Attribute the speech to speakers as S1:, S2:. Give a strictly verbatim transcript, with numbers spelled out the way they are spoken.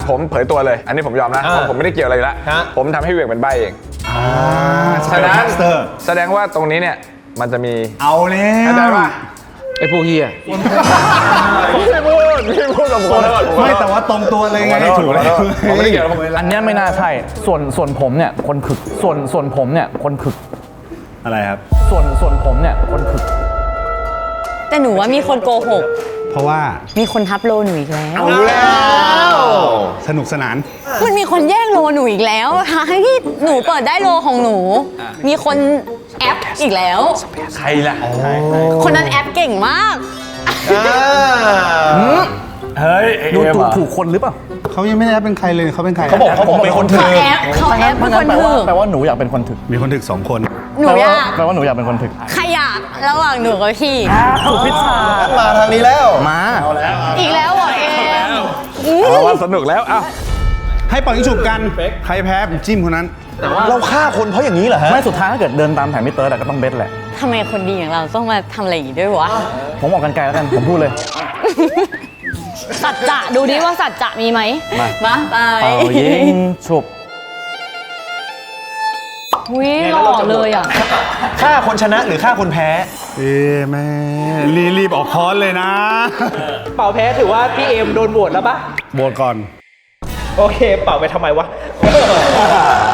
S1: ผมเผยตัวเลยอันนี้ผมยอมนะผมไม่ได้เกี่ยวอะไรอยู่แล้วผมทำให้เหวี่ยงเป็นใบเองแสดงแสดงว่าตรงนี้เนี่ยมันจะมี
S2: เอาแล้ว
S1: เข้าใจป่ะ
S3: ไอ้พวกเฮีย
S1: ไม่พูดไม่พูดกับผม
S2: ไม่แต่ว่าตรงตัวเลยไงถูกเลย
S1: ผมไม่ได้เกี่ยว
S3: อันนี้ไม่น่าใช่ส่วนส่วนผมเนี่ยคนขึกส่วนส่วนผมเนี่ยคนขึก
S2: อะไรครับ
S3: ส่วนส่วนผมเนี่ยคนขึก
S4: แต่หนูว่ามีคนโกหก
S2: เพราะว่า
S4: มีคนทับโลหนูอีกแล้ว
S1: เอาแล้ว
S2: สนุกสนาน
S4: มันมีคนแย่งโลหนูอีกแล้วทั้งที่หนูเปิดได้โลของหนูมีคนแอปอีกแล้ว
S1: ใครล่ะ
S4: คนนั้นแอปเก่งมาก
S1: เฮ้ย
S3: ดูถูกถูกคนหรือเปล่า
S2: เขายังไม่ได้เป็นใครเลยเขาเป็นใคร
S1: เขาบอกเขาบอกเป็นคนถึก
S4: เขาแอปเขาแอปเป็นคนถึก
S3: แปลว่าหนูอยากเป็นคนถึก
S2: มีคนถึกสองคน
S4: หนูอยาก
S3: แปลว่าหนูอยากเป็นคนถึก
S4: ใครอยากระหว่างหนูกับพี่
S3: ถูกพิชชา
S1: มาทางนี้แล้ว
S3: มา
S4: อีกแล้วเหรอเอง
S1: เอาว่าสนุกแล้วเอ้า
S2: ให้ปล่อยยิงฉุบกันใครแพ้จิ้มคนนั้น
S1: แต่ว่าเราฆ่าคนเพราะอย่างนี้เหรอฮะ
S3: ไม่สุดท้ายถ้าเกิดเดินตามแผนมิเตอร์ก็ต้องเบสแหละ
S4: ทำไมคนดีอย่างเราต้องมาทำอะไรอย่างนี้ด้วยวะ
S3: ผมออกกันไกลแล้วกันผมพูดเลย
S4: สัจจะดูดิว่าสัจจะมีไหมมาไป
S3: เอายิงฉุบ
S4: วิหล่อเลยอ่ะ
S1: ฆ่าคนชนะหรือฆ่าคนแพ้
S2: เอ๊แม่รีรีบออกคอนเลยนะ
S5: เป่าแพ้ถือว่าพี่เอมโดนโหวตแล้วปะ
S2: โหวตก่อน
S5: โอเคเป่าไปทำไมวะ